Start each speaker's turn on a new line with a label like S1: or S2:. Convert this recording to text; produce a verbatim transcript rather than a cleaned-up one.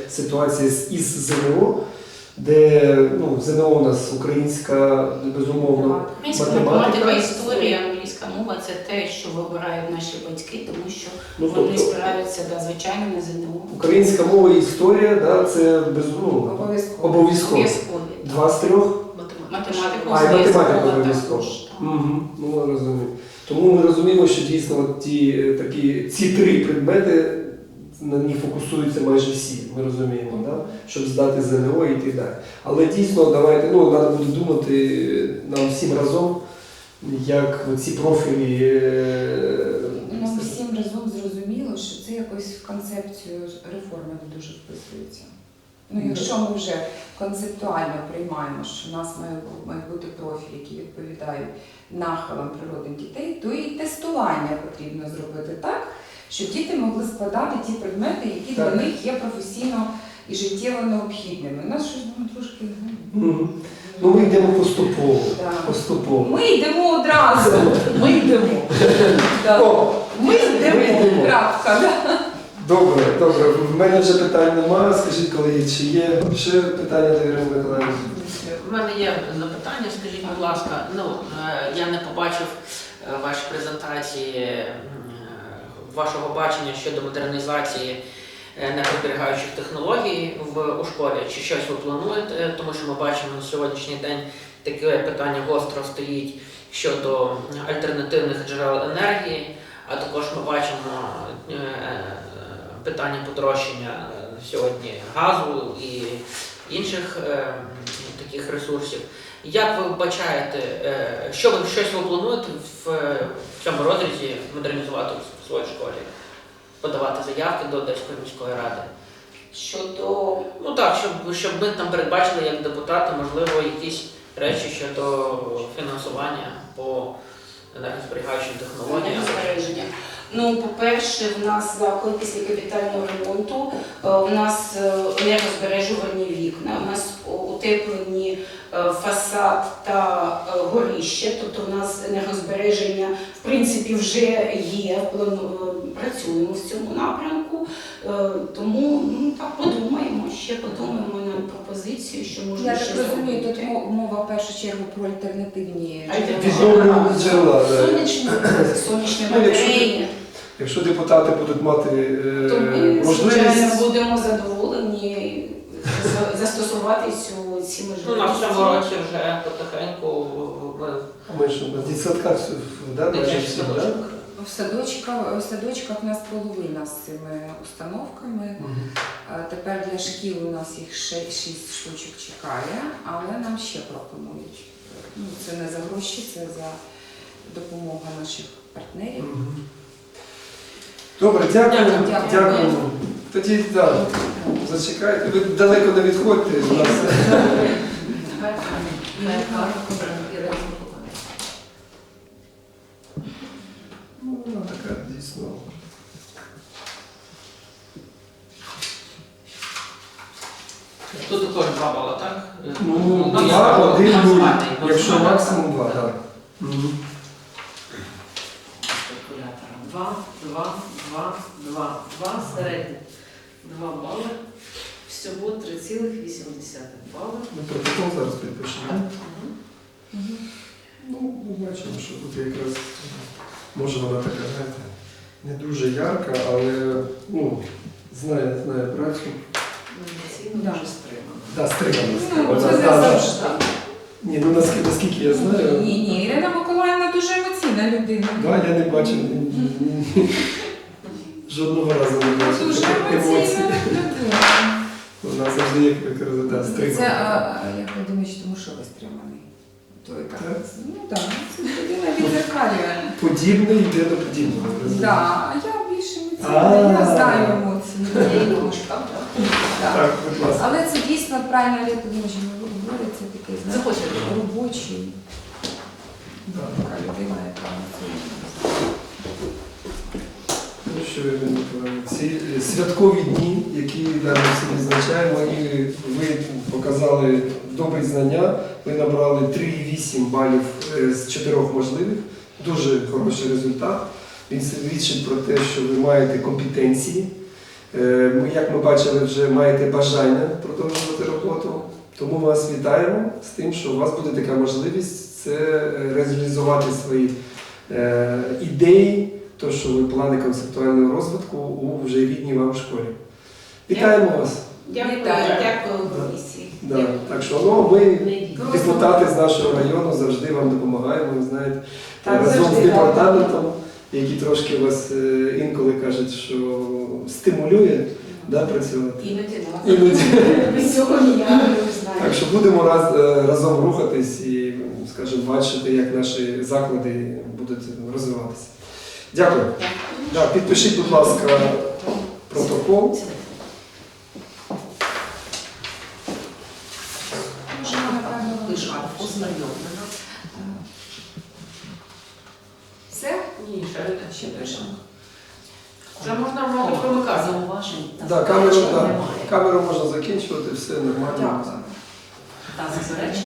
S1: ситуація із ЗНО, де ну, ЗНО у нас українська, безумовно,
S2: Українська математика, історія, англійська мова – це те, що вибирають наші батьки, тому що
S1: ну,
S2: вони
S1: тобто,
S2: спираються, да, звичайно, на ЗНО.
S1: Українська мова і історія, да, це безумовно,
S3: Обов'язково.
S1: обов'язково. Два з трьох?
S2: Математику,
S1: А, і математика
S2: мова
S1: обов'язково.
S2: також.
S1: Угу, ну, розумію. Тому ми розуміємо, що дійсно от ті, такі, ці три предмети, на них фокусуються майже всі, ми розуміємо, mm-hmm. да? Щоб здати ЗНО і так далі. Але дійсно, давайте, ну, треба буде думати нам всім разом, як ці профілі...
S3: Нам всім разом зрозуміло, що це якось в концепцію реформи не дуже вписується. Ну, якщо ми вже концептуально приймаємо, що у нас мають бути профілі, які відповідають нахилам природних дітей, то і тестування потрібно зробити так, щоб діти могли складати ті предмети, які так. для них є професійно і життєво необхідними. У нас щось ну, трошки...
S1: Mm-hmm. Ну, ми йдемо поступово.
S3: Да.
S1: поступово.
S3: Ми йдемо одразу. Ми йдемо. Да.
S1: О,
S3: ми йдемо. Крапка.
S1: Добре, добре. В мене вже питань немає. Скажіть, колеги, чи є ще питання до Ірини Миколаївни?
S4: У мене є запитання, скажіть, будь ласка, ну, я не побачив ваші презентації, вашого бачення щодо модернізації енергозберігаючих технологій в, у школі, чи щось ви плануєте, тому що ми бачимо на сьогоднішній день таке питання гостро стоїть щодо альтернативних джерел енергії, а також ми бачимо питання подорожчання сьогодні газу і інших е, таких ресурсів. Як ви бачаєте, е, що ви щось ви плануєте в, в цьому розрізі модернізувати в своїй школі? Подавати заявки до Одеської міської ради?
S2: Щодо...
S4: Ну так, щоб, щоб ми там передбачили як депутати, можливо, якісь речі щодо фінансування по енергозберігаючим технологіям.
S2: Енергозбереження. Ну, по-перше, в нас заклад після капітального ремонту, у нас енергозбережувані вікна, у нас утеплені фасад та горище, тобто у нас енергозбереження, в принципі, вже є, працюємо в цьому напрямку, тому ну, так подумаємо, ще подумаємо на пропозицію, що можна
S3: Я
S2: ще
S3: так розумію,
S2: зробити.
S3: Тут мова в першу чергу про альтернативні
S1: Відновлювані джерела.
S2: Сонячні, сонячні батареї.
S1: Якщо депутати будуть мати е,
S2: То ми,
S1: можливість...
S2: звичайно, будемо задоволені застосувати цю, ці можливості.
S4: Ну, на цьому році вже потихеньку ми...
S1: Ми ж на дитсадках, да, майже всі, да?
S3: В садочках, в садочках у нас половина з цими установками.
S1: Угу.
S3: Тепер для шкіл у нас їх шість штучок чекає, але нам ще пропонують. Ну, це не за гроші, це за допомогу наших партнерів.
S1: Угу. Добре, дякую.
S3: Дякую.
S1: Дякую. Тоді, так, да, зачекайте. Ви далеко не відходьте від нас. Ну, вона така дійсно.
S4: Тут також два бали, так?
S1: Ну,
S4: я
S1: два,
S4: кажу,
S1: один, нуль.
S4: максимальний,
S1: Якщо
S4: максимальний.
S1: максимум два, так. Угу.
S5: Два, два, два, два, два, середнє. Два бали. Всього три цілих вісім десятих бали.
S1: Ми протокол зараз підпишемо.
S5: Угу.
S3: Угу.
S1: Ну, ми бачимо, що тут якраз, може вона така, знаєте, не дуже ярка, але, ну, знає, знає працю.
S5: Емоційно
S3: Да.
S5: дуже стримано.
S1: Да, стримана.
S3: Ну,
S1: стримана.
S3: це
S1: Да, да.
S3: завжди.
S1: Ні, ну наскільки, наскільки я знаю,
S3: Ні, ні, Ірина Миколаївна дуже емоційна людина.
S1: да, я не бачив жодного разу не бачив
S3: Дуже
S1: таких емоцій.
S3: емоційна людина.
S1: Вона завжди як ви кажете, да,
S3: Це,
S1: стримана.
S3: а, як ви думаєте, тому що ви стриманий? Той так.
S1: Так.
S3: Ну так, це людина відзеркалює.
S1: Подібне йде до подібного. розумієте?
S3: Да, а я більше
S1: А.
S3: емоційна, я знаю емоції. Я їх думаю, Да.
S1: Так, будь ласка.
S3: Але це дійсно правильно, як Володимир говорить, це такий знаєте,
S4: Заходьте.
S3: робочий,
S1: Да.
S3: така людина, яка працює.
S1: Ну, що ви мені говорите? Ці святкові дні, які да, ми всі відзначаємо, і ви показали добрі знання, ви набрали три цілих вісім балів е, з чотирьох можливих, дуже хороший результат. Він свідчить про те, що ви маєте компетенції, Е, ми, як ми бачили, вже маєте бажання продовжувати роботу. Тому вас вітаємо з тим, що у вас буде така можливість це е, реалізувати свої е, ідеї, то, що ви плани концептуального розвитку у вже рідній вам школі. Вітаємо вас!
S2: Дякую,
S3: Вітаю.
S2: дякую
S1: Да.
S2: комісії.
S1: Да. Так що ну, ми,
S5: Не йдіть.
S1: депутати з нашого району, завжди вам допомагаємо, ви знаєте,
S3: Так,
S1: разом з
S3: завжди,
S1: департаментом, який трошки вас е, інколи кажуть, що стимулює да, працювати.
S2: Іноді нас.
S1: Іноді.
S2: Без цього ніяк не
S1: Так
S2: знаю.
S1: що будемо раз, е, разом рухатись і, скажімо, бачити, як наші заклади будуть розвиватися. Дякую. Да, підпишіть, будь ласка, протокол.
S3: Можемо, напевно,
S5: Лишати ознайомлено.
S3: все?
S4: Ні, ще
S3: Ще пишемо.
S4: вже можна мабуть примикати.
S5: Зауважень та
S1: Да, камеру,
S5: заперечень
S1: да,
S5: немає.
S1: камеру можна закінчувати, все нормально.
S3: Дякую.
S5: Та заперечень